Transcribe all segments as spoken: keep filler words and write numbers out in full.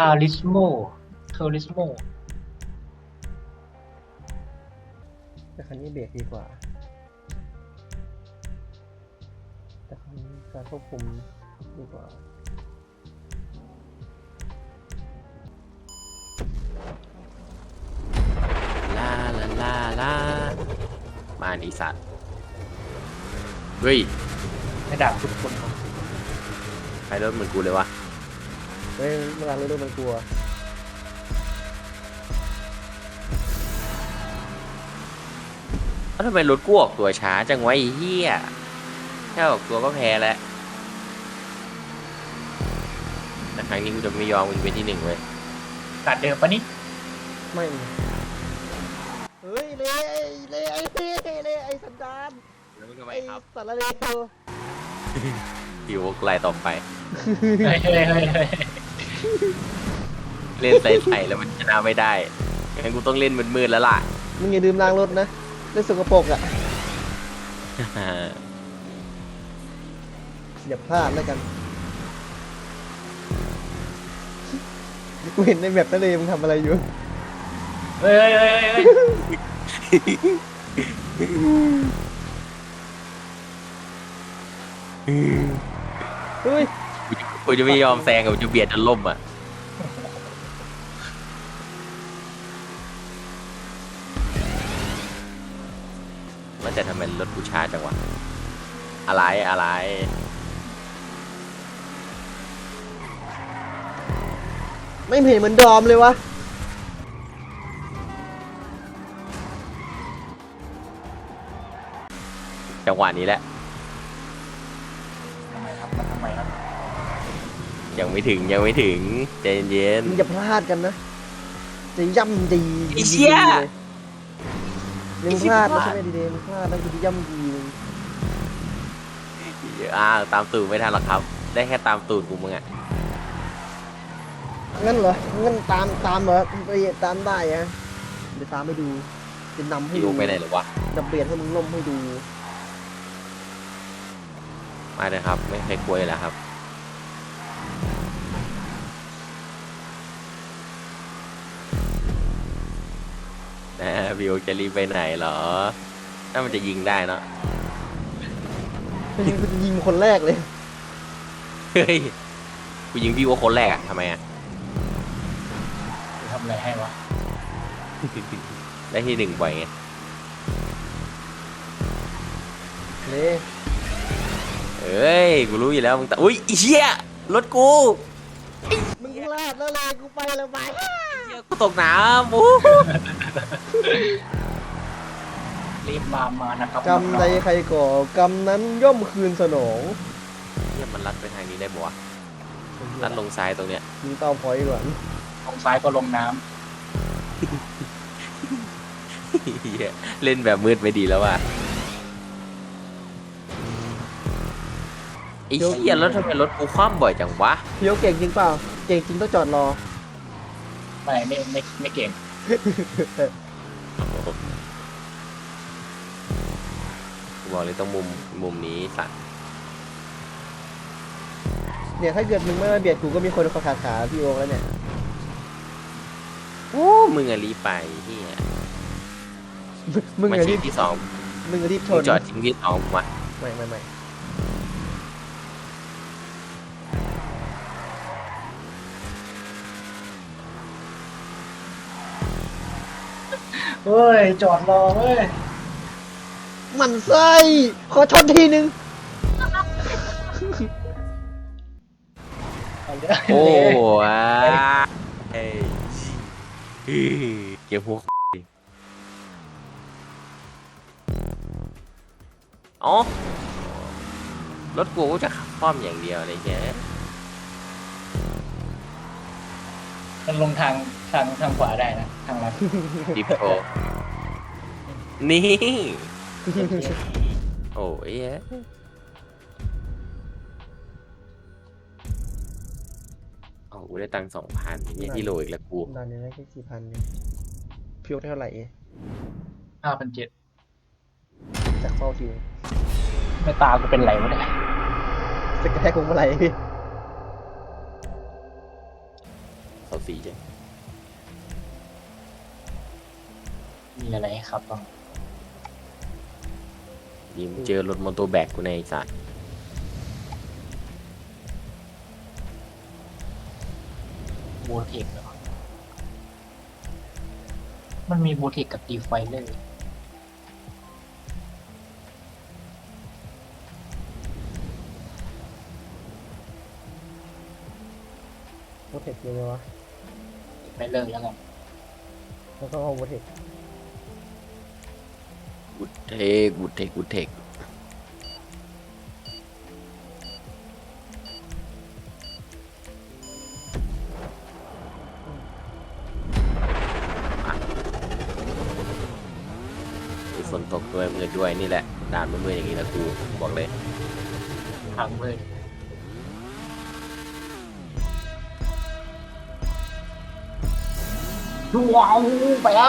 าริสโมเทอริสโมแต่คันนี้เบรกดีกว่าแต่คันนี้การควบคุมดีกว่าลาลาลาลามาดีสัตว์เฮ้ยไม่ด่าทุกคนใครรถเหมือนกูเลยวะเฮ้ยเวลาเราดูมันกลัวแล้วทำไมรถกูออกตัวช้าจังวะไอ้เหี้ยแค่ออกตัวก็แพ้แล้วแต่ครั้งนี้กูจะไม่ยอมกูจะเป็นที่หนึ่งเว้ยตัดเดิมปะนี่ไม่เฮ้ยเละเละไอ้เละเละไอ้สันดานแล้วมึงทำไมไอ้ครับสารเลวหิวไล่ต่อไปเฮ้ยเฮ้ยเฮ้ยเฮ้ยเล่นใส่ๆแล้วมันชนะไม่ได้งั้นกูต้องเล่นมืดๆแล้วล่ะมึงอย่าดื่มล้างรถนะเล่นสกปรกอ่ะอย่าพลาดแล้วกันกูเห็นในแบบทะเลมึงทำอะไรอยู่เฮ้ยเฮ้ยเฮ้ยเฮ้ยเฮ้ยกูจะไม่ยอมแซงกูจะเบียดจนล่มอ่ะมันจะทำไมรถกูช้าจังวะอะไรอะไรไม่เห็นเหมือนดอมเลยวะจังหวะนี้แหละทำไมครับมันทำไมครับยังไม่ถึงยังไม่ถึงใจเย็นมึงอย่าพลาดกันนะจะย่ำดีไอ้เชี่ยเลยมึงพลาดแล้วใช่ไหมดีเดย์มึงพลาดแล้วกูจะย่ำดีมึงอ่าตามตูดไม่ทันหรอกครับ ได้แค่ตามตูดกูมึงอ่ะงั้นเหรองั้นตามตามเหรอไปตามได้อะเดี๋ยวตามให้ดูจะนำให้พี่ดูกูไปไหนหรอวะจะเบียดให้มึงล่มให้ดูมาเลยครับ ไม่เคยกลัวอยู่แล้วครับนะพี่โอจะรีบไปไหนเหรอ ถ้ามันจะยิงได้เนาะยิงยิงคนแรกเลยเฮ้ยกูยิงพี่โอคนแรกอะทำไมอะทำอะไรให้วะได้ที่หนึ่งบ่อยไงนี่เอ้ยกูรู้อยู่แล้วมึงแต่อุ้ยไอ้เหี้ยรถกูมึงพลาดแล้วเลยกูไปแล้วไปเหี้ยกูตกน้ำโอ้รีบมามานะครับกรรมใดใครก่อกรรมนั้นย่อมคืนสนองเหี้ยมันลัดไปทางนี้ได้ปะวะลัดลงซ้ายตรงเนี้ยยิงเต้าพอยต์ก่อนลงซ้ายก็ลงน้เหี้ยเล่นแบบมืดไม่ดีแล้วว่ะไอ้เหี้ยแล้วทำไมรถกูคว่ำบ่อยจังวะพี่โอเก่งจริงเปล่าเก่งจริงต้องจอดรอำไม่ไม่ไม่ไม่เก่งกูบอกเลยต้องมุมมุมนี้สัตว์เนี่ยถ้าเกิดมึงไม่มาเบียดกูก็มีคนขาขาขาพี่โอแล้วเนี่ยโอ้มึงอะรีบไปเหี้ยมึงมาอะชิรีงบที่สองมึงอะรีบชมึงนจอดชิงที่สองมาไม่ไม่ไม่เฮ้ยจอดรอเว้ยมันไส้ขอชนทีนึงเอาเยอะโอ้เลยว้าเฮ้ยเก็บหัวอ๋อรถกูจะขับคว่ำอย่างเดียวเลยแกมันลงทางทางทางขวาได้นะทางลัดดิฟโชนี่ โอ้ยโอ้กูได้ตังค์สองพันนี่ที่โลอีกแล้วกูตอนนี้ได้แค่สี่พันพี่โอเท่าไหร่ห้าพันเจ็ดจากเฝ้าทีไม่ตากูเป็นไรวะเนี่ยสกกระแทกคงเมื่อไหร่พี่เขาสีใช่มีอะไรให้ครับบ้างยิมเจอรถมอเตอร์แบกกูในไอ้สัตว์บูเทคเหรอมันมีบูเทคกับตีไฟเลยโปรเทคยังไงวะไม่เลิกแล้วกันแล้วก็เอาโปรเทคกูเทคกูเทคกูเทคมีฝนตกด้วยมืดด้วยนี่แหละด่านมืดๆอย่างนี้นะกูบอกเลยทางมืดว้าวไปแล้ว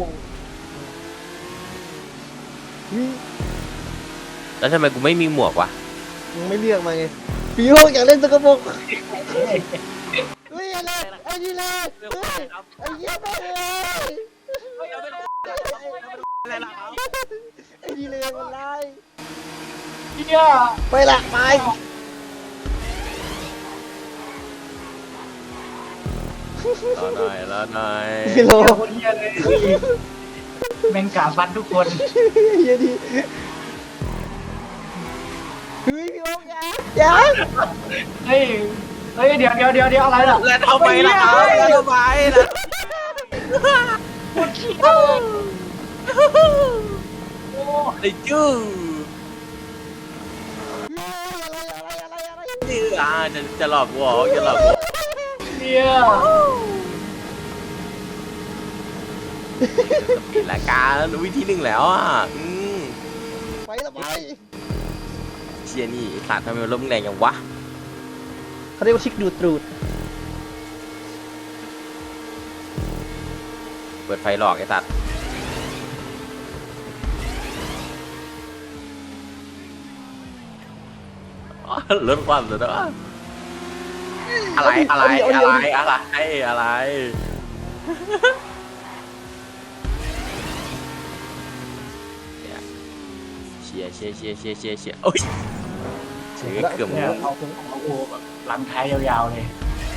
วิแล้วทำไมกูไม่มีหมวกวะมึงไม่เลือกมาไงปีโป้อยากเล่นสกปรกเฮ้ยอะไรไอ้นี่เลยเฮ้ยไอ้เหี้ยไปเลยไอ้นี่เลยมันไล่เฮียไปละไปรอหน่อยรอหน่อยพี่โลเฮียคนเฮียเลยแม่งกาฟันทุกคนเฮียดีเฮ้ยพี่โอ๊คอย่าอย่าเฮ้ยเฮ้ยเดี๋ยวเดี๋ยวเดี๋ยวเดี๋ยวอะไรล่ะแล้วทำไมล่ะครับแล้วทำไมล่ะปวดขี้โอ้ไอ้จื้ออะไรอะไรอะไรอะไรจื้ออ่ะจะจะหลอกกูเหรอจะหลอกกูเฮียปิดรายการรู้วิธีหนึ่งแล้วอ่ะอืมไปละไปเชียนี่ขาดทำไมมันลมแรงอย่างวะเขาเรียกว่าชิคดูดตรูดเปิดไฟหลอกไอ้สัตว์อ๋อลดความเลยนะอะไรอะไรอะไรอะไรอะไรเชียร์เชียร์เชียร์เชียร์เชียร์เชียร์โอ้ยเชียร์เกือบเนี่ยเอาเอาโอ้แบบหลังท้ายยาวๆเลย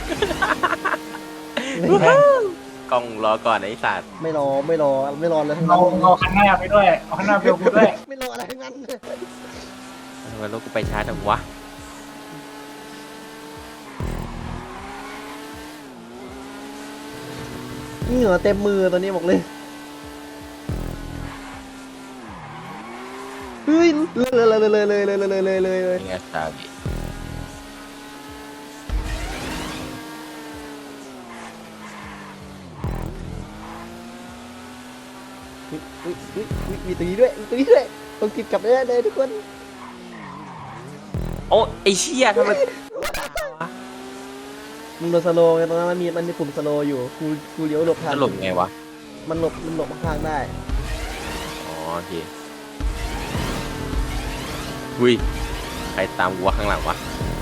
กล้องรอก่อนไอ้สัตว์ไม่รอไม่รอไม่รอแล้วทั้งเอานั้นเอาข้างหน้าไปด้วยเอาข้างหน้าไปกูด้วยไม่รออะไรทั้งนั้นทำไมรถกูไปช้าจังวะเหงื่อเต็มมือตอนนี้บอกเลยเฮ้ยเลยเลยเลยเลยเลยเลยเลยเลยเลยเลยยังไงซาบิอุ๊ยอุ๊ยอุ๊ยอุ๊ยมีตรงนี้ด้วยมีตรงนี้ด้วยต้องกินกลับได้เลยทุกคนโอ้ไอ้เชี่ยทำไมมึงโดนสโลว์ไงตรงนั้นมันมีมันมีปุ่มสโลว์อยู่กูกูเลี้ยวหลบทางจะหลบไงวะมันหลบมันหลบทางได้อ๋อโอเคหุยใครตามกูวะข้างหลังวะ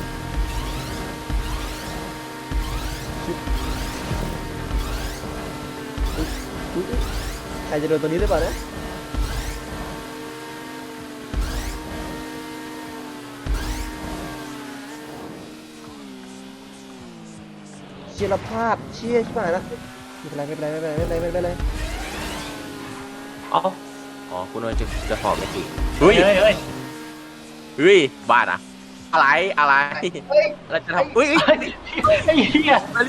อุ๊ยอุ๊ยใครจะโดนตัวนี้หรือเปล่านะเชียร์เราพลาดเชียร์ใช่ไหมนะไม่เป็นไรไม่เป็นไรไม่เป็นไรไม่เป็นไรไม่เป็นไรอ๋ออ๋อคุณว่าจะจะหอบไม่ถึงเฮ้ยเฮ้ยเฮ้ยเฮ้ยบ้าอะอะไรอะไรเราจะทำเฮ้ยไอ้เหี้ยอะไร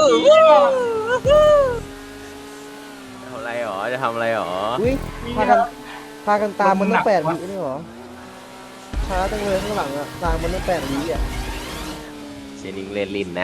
ทำอะไรหรอจะทำอะไรหรออุ้ยพากันพากันตามมันตั้งแปดวินี่หรอช้าจังเลยข้างหลังอะตามมันตั้งแปดวิอะเชนิงเล่นลินนะ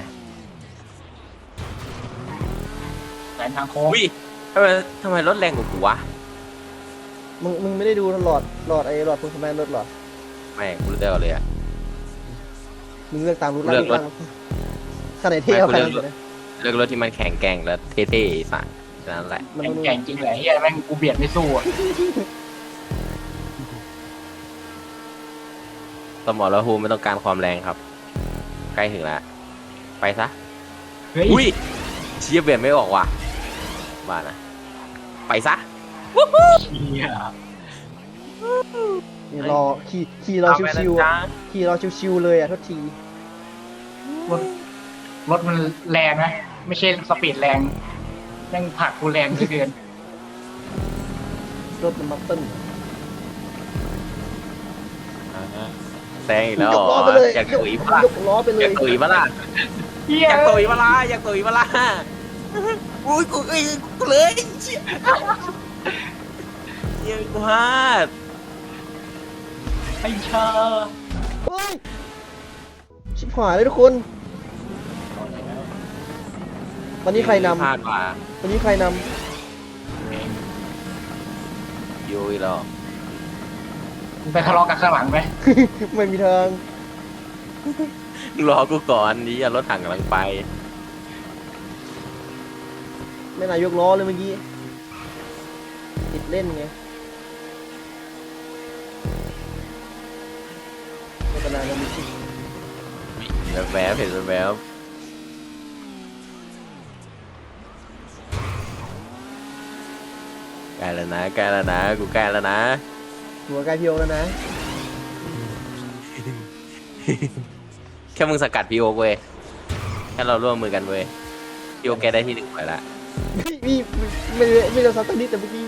แสนทางโค้งอุ้ยทำไมทำไมรถแรงกว่ากูวะมึงมึงไม่ได้ดูหลอดหลอดไอ้หลอดพวงสแมนรถหรอไม่กูรู้ได้ก่อนเลยอะมึงเลือกตามรถเลือกรถขนาดเท่เอาขนาดไม่กูเลือกรถนี้นะเลือกรถที่มันแข็งแกร่งและเท่ๆไอ้สัสนั่นแหละมันแข่งมันแข่งจริงเหรอเฮียแม่งกูเบียดไม่สู้อ่ะสมอลภูมิไม่ต้องการความแรงครับ ใกล้ถึงแล้ว ไปซะเฮ้ยอุ้ยเชี่ยเปลี่ยนไม่ออกว่ะบ้านะไปซะเชี่ยนี่รอขี่ขี่รอชิวๆอะขี่รอชิวๆเลยอ่ะทุกทีรถรถมันแรงนะไม่ใช่สปีดแรงยังผลักกูแรงเหลือเกินรถมันบัฟเติ้ลอ่าฮะแซงอีกแล้วยเหรกล้ออไปเลยอยากตุ๋ยปะล่ะยกล้อไปเลอย ยากตุ๋ยปะล่ะเฮียอยากตุ๋ยปะล่ะอยากตุ๋ยปะล่ะอุ้ยกูเอ้ยกูเลยเชี่ยเชี่ยกูพลาดไอ้ชาเฮ้ยชิบหายเลยทุกคน วันนี้ใครนพลาดว่ะำวันนี้ใครนยุยหรอไปทะเลาะกันข้างหลังไหมำ ไม่มีทางรอกูก่อนนี่รถถังกำลังไปไม่นายยกล้อเลยเมื่อกี้ติดเล่นไงไม่เป็นไรนะมิชิแบบแวบเห็นแบบแวบใกล้แล้วนะใกล้แล้วนะกูใกล้แล้วนะหัวใกล้พี่โอแล้วนะแค่มึงสกัดพี่โอ๊กเว้ยแค่เราร่วมมือกันเว้ยพี่โอ๊กแกได้ที่หนึ่งไปละมีไม่ไม่ไม่เราซัดตั้งนิดแต่เมื่อกี้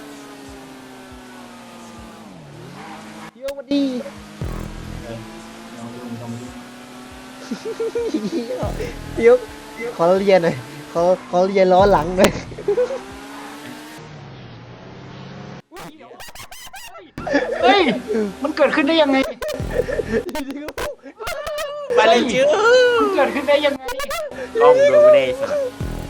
พี่โอสวัสดีลองดูลองดูพี่โอขอเรียนหน่อยขอขอเรียนล้อหลังหน่อยเฮ้ยมันเกิดขึ้นได้ยังไงไปเลยจื้อมันเกิดขึ้นได้ยังไงกล้องดูไม่ได้สัตว์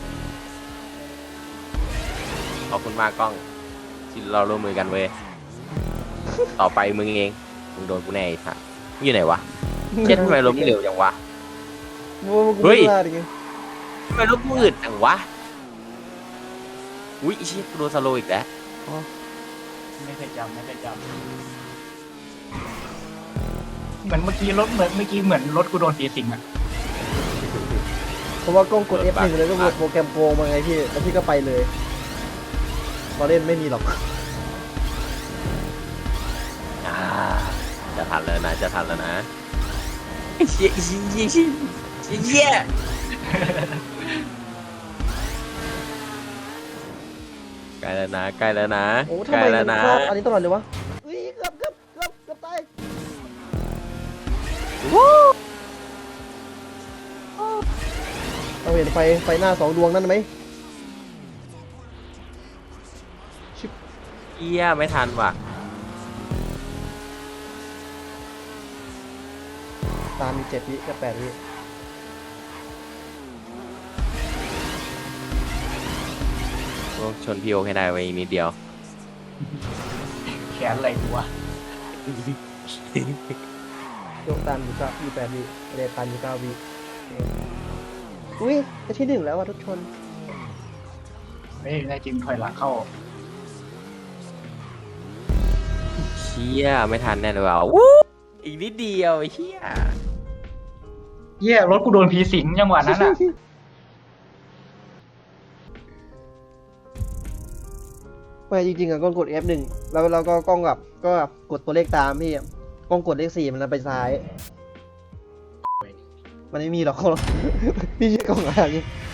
ขอบคุณมากกล้องที่เราร่วมมือกันเว้ยต่อไปมึงเองมึงโดนกูแน่ไอ้สัตว์มึงอยู่ไหนวะเช็ดทำไมล้มเหลวจังวะ เฮ้เฮ้ยยพลาดไงทำไมล้มมืดจังวะอุ้ยไอ้เชี่ยกูโดนสโลว์อีกแล้วไม่เคยจำไม่เคยจำเหมือนเมื่อกี้รถเหมือนเมื่อกี้เหมือนรถกูโดนตีสิงอะเพราะว่ากล้องกด เอฟ หนึ่ง เลยก็กดโปรแกรมโกงมาไงพี่แล้วพี่ก็ไปเลยมาเล่นไม่มีหรอกอ่าจะทันแล้วนะจะทันแล้วนะไอ้เชี่ยไอ้เชี่ยไอ้เชี่ยไอ้เชี่ยใกล้แล้วนะใกล้แล้วนะโอ้ใกทำล้ไมแล้มัวน นะชอบอันนี้ตลอดเลยวะอุ้ยเกือบเกือบเกือบเกือบตายเราเห็นไฟไฟหน้าสองดวงนั่นไหมเอี้ยไม่ทันว่ะตามมีเจ็ดวิกับแปดวิโอ้ชนพี่โอให้ได้ไว้อีกนิดเดียวแขนอะไรกูวะโยกตามอยู่เก้าอยู่แปดวิเรตามอยู่เก้าวิอุ้ยจะที่หนึ่งแล้วว่ะทุกคนเฮ้ยได้จริงถอยหลังเข้าเชี่ยไม่ทันแน่เลยว่ะวู้อีกนิดเดียวไอ้เชี่ยเหี้ยรถกูโดนผีสิงจังหวะนั้นอะไม่จริงๆอ่ะกล้องกด เอฟ หนึ่งแล้วเราก็กล้องกับก็กดตัวเลขตามพี่กล้องกดเลขสี่มันไปซ้าย มันไม่มีหรอก พี่เชื่อกล้องอะไร